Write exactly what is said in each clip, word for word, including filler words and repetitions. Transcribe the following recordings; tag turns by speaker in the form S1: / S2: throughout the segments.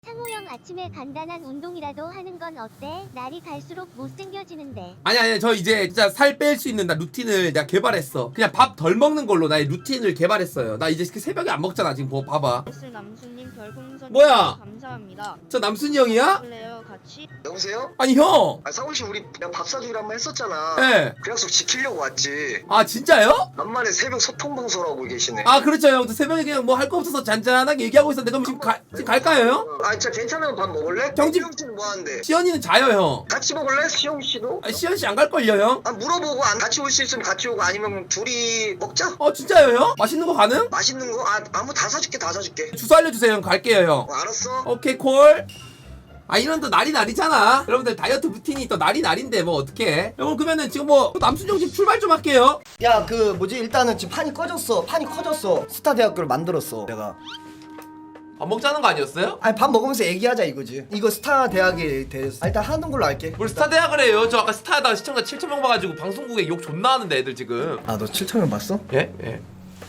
S1: 상호 형 아침에 간단한 운동이라도 하는 건 어때? 날이 갈수록 못생겨지는데.
S2: 아니 아니 저 이제 진짜 살 뺄 수 있는 나 루틴을 내가 개발했어. 그냥 밥 덜 먹는 걸로 나의 루틴을 개발했어요. 나 이제 새벽에 안 먹잖아 지금. 뭐 봐봐.
S3: 남순님 별풍선
S2: 뭐야?
S3: 감사합니다.
S2: 저 남순이 형이야?
S3: 그래요 같이.
S4: 여보세요?
S2: 아니 형.
S4: 아 상훈씨 우리 내가 밥 사주기로 한 번 했었잖아.
S2: 예.
S4: 그 약속 지키려고 왔지.
S2: 아 진짜요?
S4: 간만에 새벽 소통 방송하고 계시네.
S2: 아 그렇죠 형. 저 새벽에 그냥 뭐 할 거 없어서 잔잔하게 얘기하고 있었는데 그럼 지금, 가, 지금 갈까요 형?
S4: 아 진짜 괜찮으면 밥 먹을래?
S2: 경집-
S4: 형씨는 뭐 하는데?
S2: 시연이는 자요 형.
S4: 같이 먹을래? 시영씨도?
S2: 아 시연 씨 안 갈걸요 형?
S4: 아 물어보고 안 같이 올 수 있으면 같이 오고 아니면 둘이 먹자.
S2: 어 진짜요 형? 맛있는 거 가능?
S4: 맛있는 거? 아 아무 다 사줄게 다 사줄게.
S2: 주소 알려주세요 형. 갈게요 형.
S4: 어, 알았어.
S2: 오케이 콜. 아 이런 또 날이 날이잖아. 여러분들 다이어트 루틴이 또 날이 날인데 뭐 어떡해. 여러분 그러면은 지금 뭐 남순이 형 지금 출발 좀 할게요.
S5: 야 그 뭐지 일단은 지금 판이 꺼졌어 판이 커졌어 스타 대학교를 만들었어 내가.
S2: 밥 먹자는 거 아니었어요?
S5: 아니 밥 먹으면서 얘기하자 이거지. 이거 스타 대학에 대해서 아, 일단 하는 걸로 할게.
S2: 뭘 스타 대학을 해요? 저 아까 스타하다가 시청자 칠천 명 봐가지고 방송국에 욕 존나 하는데 애들 지금.
S5: 아 너 칠천 명 봤어?
S2: 예? 예.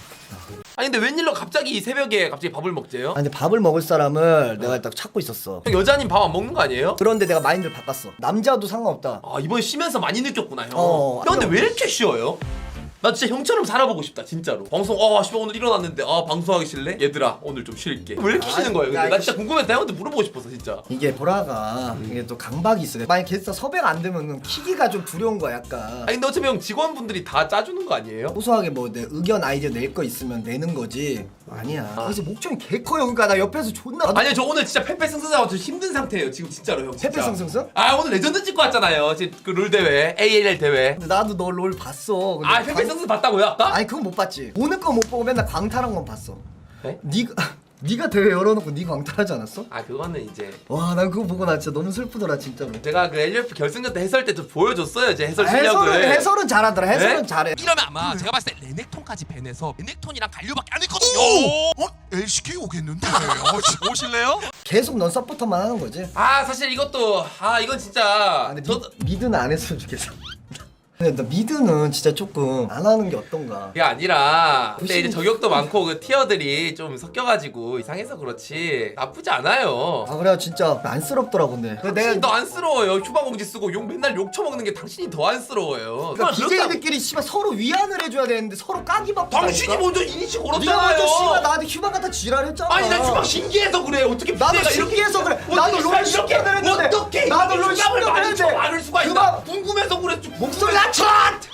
S2: 아니 근데 웬일로 갑자기 새벽에 갑자기 밥을 먹재요?
S5: 아 근데 밥을 먹을 사람을 내가 딱 찾고 있었어.
S2: 형 여자님 밥 안 먹는 거 아니에요?
S5: 그런데 내가 마인드를 바꿨어. 남자도 상관없다.
S2: 아 이번에 쉬면서 많이 느꼈구나 형.
S5: 어,
S2: 형 근데
S5: 아니요.
S2: 왜 이렇게 쉬어요? 나 진짜 형처럼 살아보고 싶다 진짜로. 방송 아 씨발 오늘 일어났는데 아 방송하기 싫래? 얘들아 오늘 좀 쉴게. 왜 이렇게
S5: 아,
S2: 쉬는 거예요? 근데
S5: 야,
S2: 나
S5: 이거
S2: 진짜
S5: 시-
S2: 궁금해서 형한테 물어보고 싶어서 진짜.
S5: 이게 보라가 이게 또 강박이 있어. 만약 게스트 섭외가 안 되면 키기가 좀 두려운 거야 약간.
S2: 아니 근데 어차피 형 직원분들이 다 짜주는 거 아니에요?
S5: 소소하게 뭐 내 의견 아이디어 낼 거 있으면 내는 거지. 아니야. 그래서 목청이 개 커요. 그러니까 나 옆에서 존나.
S2: 아니요 저 오늘 진짜 패패승승하고 좀 힘든 상태예요 지금 진짜로 형. 진짜.
S5: 페페승승승?
S2: 아 오늘 레전드 찍고 왔잖아요. 지금 그 룰 대회 에이엘엘 대회.
S5: 근데 나도 너 롤 봤어. 근데
S2: 아
S5: 강-
S2: 패패승승 봤다고요? 나?
S5: 아니 그건 못 봤지. 보는 건 못 보고 맨날 광탈한 건 봤어.
S2: 네?
S5: 네가 네가 대회 열어놓고 네 광탈하지 않았어?
S2: 아 그거는 이제
S5: 와 난 그거 보고 나 진짜 너무 슬프더라 진짜로.
S2: 제가 그 엘유에프 결승전 때 해설 때 좀 보여줬어요 제 해설
S5: 아,
S2: 실력을.
S5: 해설은 해설은 잘하더라. 해설은
S2: 네?
S5: 잘해.
S6: 이러면 아마 제가 봤을 때 레넥톤까지 밴해서 레넥톤이랑 갈류밖에 안 했거든요. 어? 엘씨케이 오겠는데? 어, 오실래요?
S5: 계속 넌 서포터만 하는 거지.
S2: 아 사실 이것도 아 이건 진짜
S5: 아, 근데
S2: 저
S5: 미, 미드는 안 했으면 좋겠어. 근데 나 미드는 진짜 조금 안 하는 게 어떤가.
S2: 그게 아니라 근데 이제
S5: 부심-
S2: 저격도 많고 그 티어들이 좀 섞여가지고 이상해서 그렇지 나쁘지 않아요.
S5: 아 그래 진짜 안쓰럽더라고 근데. 근데
S2: 당신이
S5: 내가
S2: 더 안쓰러워요. 휴방공지 쓰고 욕 맨날 욕 처먹는 게 당신이 더 안쓰러워요.
S5: 그러니까
S2: 그렇다고-
S5: 비제이들끼리 씨발 서로 위안을 해줘야 되는데 서로 까기 바쁘다.
S2: 당신이 먼저 이니시
S5: 네가
S2: 걸었잖아요.
S5: 먼저 씨발 나한테 휴방 갖다 지랄했잖아.
S2: 아니 난 휴방 신기해서 그래. 어떻게
S5: 나도
S2: 비대가
S5: 신기해서 그래.
S2: 어떻게
S5: 나도 롤
S2: 이렇게
S5: 십 년을 했는데.
S2: 어떻게
S5: 나도 롤
S2: 휴방을
S5: 십 년을
S2: 많이
S5: 했는데.
S2: 쳐 많을 수가 있나?
S5: 그만.
S2: 궁금해서 그래.
S5: 목소리 낮춰.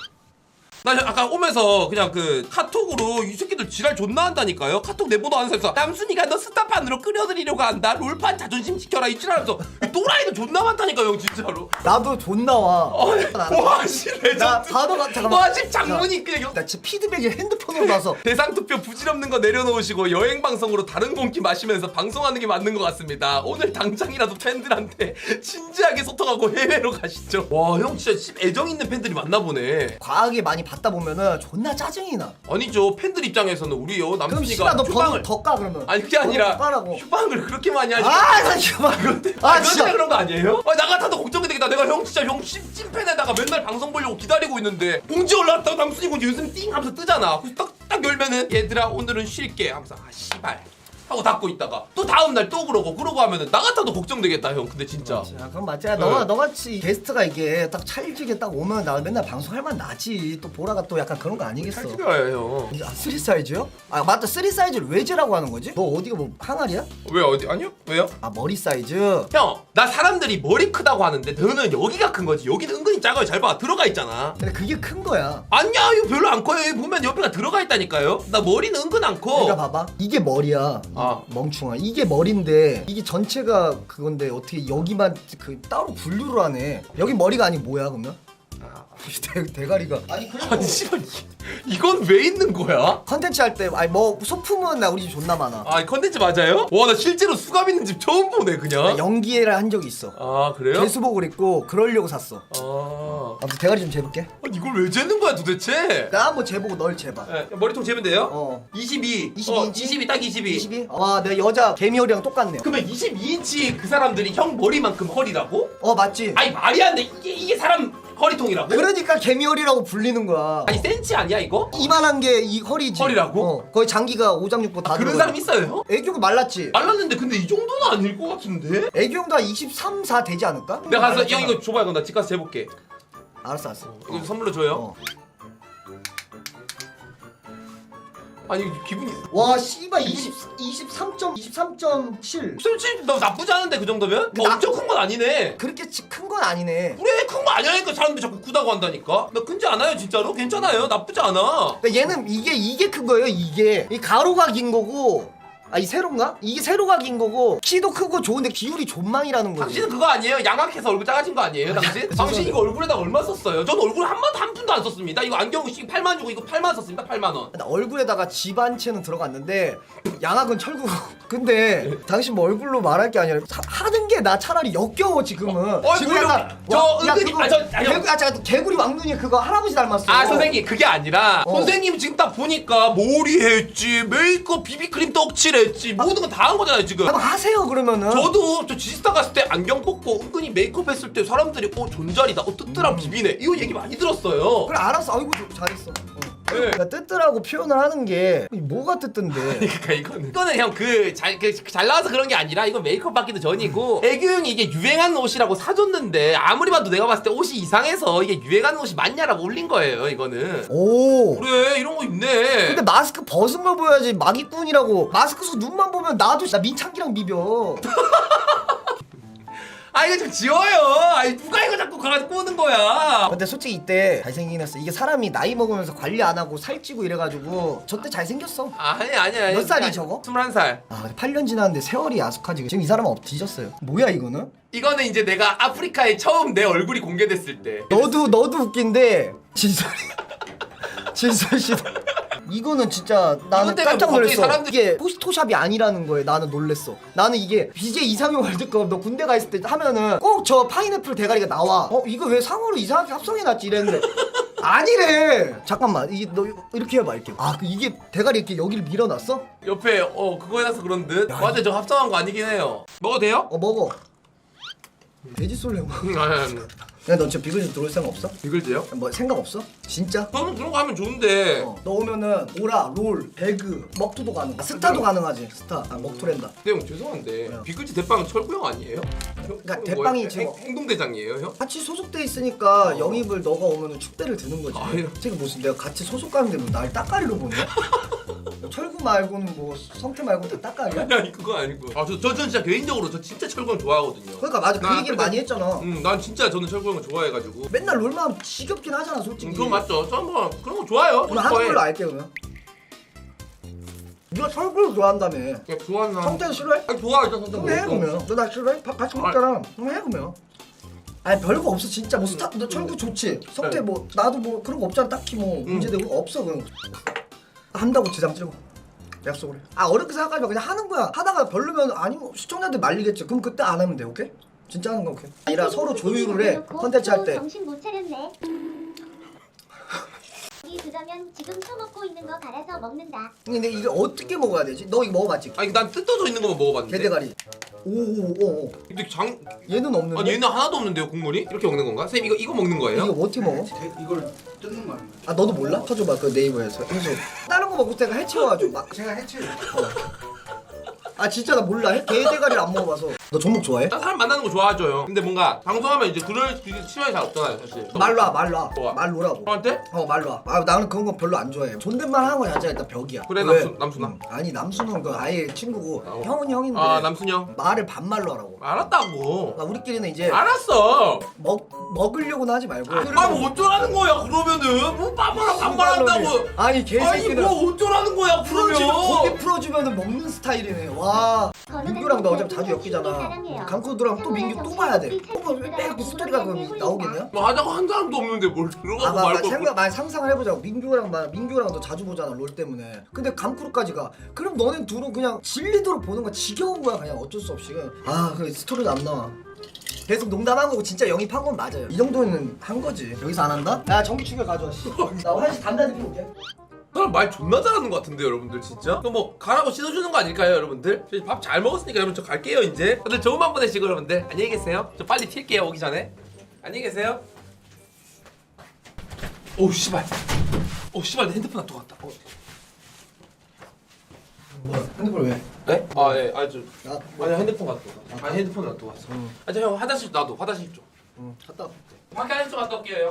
S2: 나 아까 오면서 그냥 그 카톡으로 이 새끼들 지랄 존나 한다니까요. 카톡 내보도 안 해서 남순이가 너 스타판으로 끌어들이려고 한다. 롤판 자존심 지켜라 이 지랄하면서 또라이도 존나 많다니까요 형 진짜로.
S5: 나도 존나 와.
S2: 와씨 레전드.
S5: 나 바로 가 잠깐만.
S2: 와 지금 장문이 그냥 여-
S5: 나 진짜 피드백을 핸드폰으로 봐서.
S2: 대상 투표 부질없는 거 내려놓으시고 여행 방송으로 다른 공기 마시면서 방송하는 게 맞는 것 같습니다. 오늘 당장이라도 팬들한테 진지하게 소통하고 해외로 가시죠. 와 형 진짜 씨, 애정 있는 팬들이 많나 보네.
S5: 과하게 많이 받다 보면은 존나 짜증이 나.
S2: 아니죠 팬들 입장에서는 우리요
S5: 그럼
S2: 남순이가
S5: 씨발 너
S2: 휴방을
S5: 번호 더까 그러면.
S2: 아니 그게 아니라
S5: 번호 더 까라고.
S2: 휴방을 그렇게 많이 하지.
S5: 아나 휴방.
S2: 아,
S5: 아
S2: 진짜
S5: 진짜.
S2: 그런 거 아니에요? 아, 나 같아도 걱정이 되겠다. 내가 형 진짜 형 찐, 찐팬에다가 맨날 방송 보려고 기다리고 있는데 공지 올라왔다고 남순이 공지 요즘 띵 하면서 뜨잖아. 그래서 딱, 딱 열면은 얘들아 오늘은 쉴게 하면서 아 씨발 하고 닫고 있다가 또 다음날 또 그러고 그러고 하면은 나 같아도 걱정되겠다 형. 근데 진짜
S5: 야, 그럼 맞지. 야, 너가
S2: 네.
S5: 너같이 게스트가 이게 딱 찰지게 딱 오면 나 맨날 방송할 만 나지. 또 보라가 또 약간 그런 거 아니겠어.
S2: 잘 찍어요 형.
S5: 아 쓰리 사이즈요? 아 맞다 쓰리 사이즈를 왜 재라고 하는 거지? 너 어디가 뭐 항아리야?
S2: 왜 어디 아니요? 왜요?
S5: 아 머리 사이즈.
S2: 형 나 사람들이 머리 크다고 하는데 너는 여기가 큰 거지. 여기는 은근히 작아요. 잘 봐 들어가 있잖아.
S5: 근데 그게 큰 거야.
S2: 아니야 이거 별로 안 커요. 여기 보면 옆에가 들어가 있다니까요. 나 머리는 은근 안 커.
S5: 내가 봐봐. 이게 머리야.
S2: 아.
S5: 멍충아. 이게 머리인데 이게 전체가 그건데 어떻게 여기만 그 따로 분류를 하네. 여기 머리가 아니 뭐야 그러면? 대, 대가리가. 아니 그래도
S2: 아니 씨발 이- 이건 왜 있는 거야?
S5: 컨텐츠 할 때 아니 뭐 소품은 나 우리 집 존나 많아.
S2: 아 컨텐츠 맞아요? 와 나 실제로 수갑 있는 집 처음 보네
S5: 나
S2: 그냥.
S5: 연기를 한 적이 있어.
S2: 아 그래요?
S5: 개수복을 입고 그러려고 샀어.
S2: 아
S5: 아무튼 대가리 좀 재볼게.
S2: 아니, 이걸 왜 재는 거야 도대체?
S5: 나 한번 재보고 널 재봐.
S2: 네, 머리통 재면 돼요?
S5: 어.
S2: 이십이.
S5: 이십이
S2: 어,
S5: 인치?
S2: 이십이 딱 이십이.
S5: 이십이? 와 내가 여자 개미허리랑 똑같네.
S2: 그러면 이십이 인치 그 사람들이 형 머리만큼 허리라고?
S5: 어 맞지?
S2: 아니 말이 안 돼. 이게 이게 사람 허리통이라고?
S5: 그러니까 개미허리라고 불리는 거야.
S2: 아니 센치 아니야 이거?
S5: 이만한 게 이 허리지.
S2: 허리라고?
S5: 어, 거의 장기가 오장육부 다
S2: 그런
S5: 들어가.
S2: 사람 있어요?
S5: 애교가 말랐지.
S2: 말랐는데 근데 이 정도는 아닐 것 같은데?
S5: 애교도 한 이십삼, 사 되지 않을까?
S2: 내가 가서
S5: 말랐잖아.
S2: 형 이거 줘봐요. 그럼 나 집 가서 재볼게.
S5: 알았어 알았어.
S2: 이거 선물로 줘요.
S5: 어.
S2: 아니 기분이
S5: 와 씨발 이십, 이십삼 점 이십삼 점 칠.
S2: 솔직히 너 나쁘지 않은데 그 정도면?
S5: 근데
S2: 어,
S5: 나-
S2: 엄청 큰 건 아니네.
S5: 그렇게 큰 건 아니네.
S2: 그래 큰 거 아니라니까 사람들이 자꾸 크다고 한다니까. 나 큰지 않아요 진짜로? 괜찮아요. 나쁘지 않아.
S5: 그러니까 얘는 이게 이게 큰 거예요. 이게 이 가로가 긴 거고. 아 이 세로인가? 이게 세로가 긴 거고 키도 크고 좋은데 비율이 존망이라는 거지.
S2: 당신은 그거 아니에요? 양악해서 얼굴 작아진 거 아니에요 당신? 당신 이거 얼굴에다 얼마 썼어요? 전 얼굴 한 번도 한 푼도 안 썼습니다. 이거 안경 팔만 주고 이거 팔만 썼습니다. 팔만 원.
S5: 나 얼굴에다가 집 한 채는 들어갔는데 양악은 철구고. 근데 당신 뭐 얼굴로 말할 게 아니라 사- 하는 게 나 차라리 역겨워 지금은.
S2: 어,
S5: 지금
S2: 그래요?
S5: 약간
S2: 저
S5: 와, 야,
S2: 은근히-
S5: 그거
S2: 아, 저- 아, 형.
S5: 개구, 아 잠깐 개구리 왕눈이 그거 할아버지 닮았어.
S2: 아 선생님 그게 아니라
S5: 어.
S2: 선생님 지금 딱 보니까 머리 했지 메이크업 비비크림 떡칠했지 모든 건 다 한 거잖아요 지금.
S5: 한번 하세요 그러면은.
S2: 저도 저 지스타 갔을 때 안경 뽑고 은근히 메이크업 했을 때 사람들이 어 존잘이다 어 뜨뜨랑 비비네 이거 얘기 많이 들었어요.
S5: 그래 알았어. 아이고 좀 잘했어. 어.
S2: 네.
S5: 그러니까 뜨뜨라고 표현을 하는 게 뭐가 뜨뜬데?
S2: 그러니까 이거는 이거는 형 그 잘 그 잘 나와서 그런 게 아니라 이건 메이크업 받기도 전이고 애교 형이 이게 유행하는 옷이라고 사줬는데 아무리 봐도 내가 봤을 때 옷이 이상해서 이게 유행하는 옷이 맞냐라고 올린 거예요 이거는.
S5: 오.
S2: 그래 이런 거 있네.
S5: 근데 마스크 벗은 걸 보여야지. 마기꾼이라고. 마스크 속 눈만 보면 나도 나 민창기랑 비벼.
S2: 아 이거 좀 지워요. 아니 누가 이거 자꾸 가가지고 꼬는 거야.
S5: 근데 솔직히 이때 잘생기긴 했어. 이게 사람이 나이 먹으면서 관리 안 하고 살찌고 이래가지고 저 때 잘생겼어.
S2: 아니 아니 아니.
S5: 몇 살이 저거?
S2: 스물한 살.
S5: 아 근데 팔 년 지났는데 세월이 야속하지. 지금 이 사람은 업 뒤졌어요. 뭐야 이거는?
S2: 이거는 이제 내가 아프리카에 처음 내 얼굴이 공개됐을 때.
S5: 너도 너도 웃긴데 진솔이 진솔 씨도 이거는 진짜 나는
S2: 이것 때문에
S5: 깜짝
S2: 뭐 갑자기
S5: 놀랐어.
S2: 사람들이-
S5: 이게 포스토샵이 아니라는 거에 나는 놀랬어. 나는 이게 비제이 이상형 월드컵 너 군대 가 있을 때 하면은 꼭 저 파인애플 대가리가 나와. 어 이거 왜 상어로 이상하게 합성해놨지 이랬는데 아니래. 잠깐만 이게 너 이렇게 해봐 이렇게. 아 그 이게 대가리 이렇게 여기를 밀어놨어?
S2: 옆에 어 그거 해놔서 그런 듯. 맞아 저 합성한 거 아니긴 해요. 먹어도 돼요?
S5: 어 먹어. 돼지 쏠래 뭐.
S2: 음, 아니 아니.
S5: 야너 진짜 비글즈 들어올 생각 없어?
S2: 비글즈요?
S5: 뭐 생각 없어? 진짜?
S2: 저는 그런 거 하면 좋은데.
S5: 어, 너 오면은 오라, 롤, 배그, 먹투도 가능. 아, 스타도 가능하지. 스타. 아 먹투랜다.
S2: 근데 형 죄송한데 비글즈 대빵은 철구 형 아니에요?
S5: 그러니까
S2: 형
S5: 대빵이
S2: 뭐예요?
S5: 지금
S2: 행- 행동대장이에요 형?
S5: 같이 소속돼 있으니까 영입을 너가 오면은 축배를 드는 거지.
S2: 아, 이런.
S5: 지금 무슨 내가 같이 소속 가는데 뭐 날 따까리로 보냐? 철구 말고는 뭐 성태 말고 다 따까리야?
S2: 아니 아니 그거 아니고. 아저 저, 저 진짜 개인적으로 저 진짜 철구 형 좋아하거든요.
S5: 그러니까 맞아 그
S2: 나
S5: 얘기를
S2: 그래도-
S5: 많이 했잖아.
S2: 음, 난 진짜 저는 철구 형을 좋아해가지고.
S5: 맨날 롤만 하면 지겹긴 하잖아 솔직히.
S2: 음, 그건 맞죠. 저는 뭐 그런 거 좋아요.
S5: 오늘 하는 걸로 알게 그러면. 네가 철구를 좋아한다며.
S2: 그냥 좋아하는 사람.
S5: 성태는 싫어해?
S2: 아니 좋아해 저
S5: 그럼 해 그러면. 너 나 싫어해? 밥 같이 먹잖아. 그럼 해 그러면. 아니 별거 없어 진짜 뭐 스타 너 철구 좋지. 성태
S2: 네.
S5: 뭐 나도 뭐 그런 거 없잖아 딱히 뭐 문제되고 없어 그런 거. 한다고 지장 찌르고 약속을 해. 아 어렵게 생각하지 마. 그냥 하는 거야. 하다가 별로면 아니면 시청자들 말리겠지. 그럼 그때 안 하면 돼. 오케이? 진짜 하는 거 오케이? 아니라 서로 조율을 해. 컨텐츠 할 때.
S1: 정신 못 차렸네. 이 그러면 지금 처먹고 있는 거 갈아서 먹는다.
S5: 근데 이게 어떻게 먹어야 되지? 너 이거 먹어봤지?
S2: 아니 난 뜯어져 있는 것만 먹어봤는데.
S5: 게대가리. 오오오.
S2: 근데 장
S5: 얘는 없는데.
S2: 아니 얘는 하나도 없는데요 국물이? 이렇게 먹는 건가? 선생님 이거 이거 먹는 거예요?
S5: 이거 어떻게 먹어?
S7: 이걸 뜯는 거 아니에요?
S5: 아 너도 몰라? 쳐줘봐 그 네이버에서 해서 다른 거 먹고 내가 해치워가지고 막.
S7: 제가 해치를
S5: 아 진짜 나 몰라. 해- 게대가리를 안 먹어봐서. 너 종목 좋아해?
S2: 난 사람 만나는 거 좋아하죠 형. 근데 뭔가 방송하면 이제 그럴 그 시간이 잘 없잖아요 사실.
S5: 말로 와 말로 와.
S2: 좋아.
S5: 말로 오라고.
S2: 형한테?
S5: 어 말로 와. 아 나는 그런 거 별로 안 좋아해. 존댓말 하는 거 자체가 일단 벽이야.
S2: 그래,
S5: 왜?
S2: 남순- 남순아.
S5: 음, 아니 남순은 그 아예 친구고
S2: 어.
S5: 형은 형인데
S2: 아 남순이 형.
S5: 말을 반말로 하라고.
S2: 알았다고.
S5: 그러니까 우리끼리는 이제
S2: 알았어.
S5: 먹 먹으려고는 하지 말고.
S2: 아뭐 어쩌라는 거야 그러면은 뭐 반말하고 반말한다고.
S5: 아니
S2: 아니
S5: 개새끼는
S2: 뭐 어쩌라는 거야
S5: 풀어주면 고기
S2: 그러면.
S5: 풀어주면은 먹는 스타일이네. 와. 민규랑 나 어차피 자주 엮이잖아. 강코드랑 또 민규 또 봐야 돼. 또 빼고 스토리가 그럼 나오겠냐?
S2: 뭐 하자고 한 사람도 없는데 뭘 들어가고
S5: 아, 막, 막
S2: 말고.
S5: 생각 많이 상상을 해보자고. 민규랑 막 민규랑 너 자주 보잖아 롤 때문에. 근데 감크루까지 가. 그럼 너네 둘은 그냥 질리도록 보는 거 지겨운 거야 그냥 어쩔 수 없이. 그냥. 아, 그 스토리도 안 나와. 계속 농담한 거고 진짜 영입한 건 맞아요. 이 정도는 한 거지. 여기서 안 한다? 야 전기 충격 가져와. 씨. 나 화장실 담배 한 대 피고 올게.
S2: 사람 말 존나 잘하는 것 같은데 여러분들 진짜? 그럼 뭐 가라고 씻어주는 거 아닐까요 여러분들? 밥 잘 먹었으니까 여러분 저 갈게요 이제. 다들 좋은 밤 보내시고 여러분들 안녕히 계세요. 저 빨리 튈게요 오기 전에. 안녕히 계세요. 오 씨발. 오 씨발 내 핸드폰 놔두고 갔다. 어.
S5: 뭐야 핸드폰 왜?
S2: 네? 아 예. 아니 저
S5: 아,
S2: 아니 핸드폰 놔두고 갔어. 아니 핸드폰 놔두고 갔어.
S5: 응.
S2: 아 저 형 화장실 놔둬. 화장실 좀.
S5: 응 갔다 올게.
S2: 밖에 화장실 좀 갔다 올게요.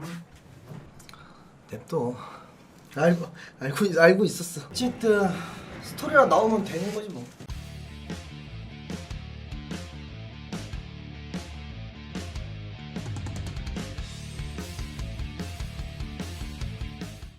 S5: 냅둬. 알고 알고 있- 알고 있었어. 어쨌든 스토리라 나오면 되는 거지 뭐.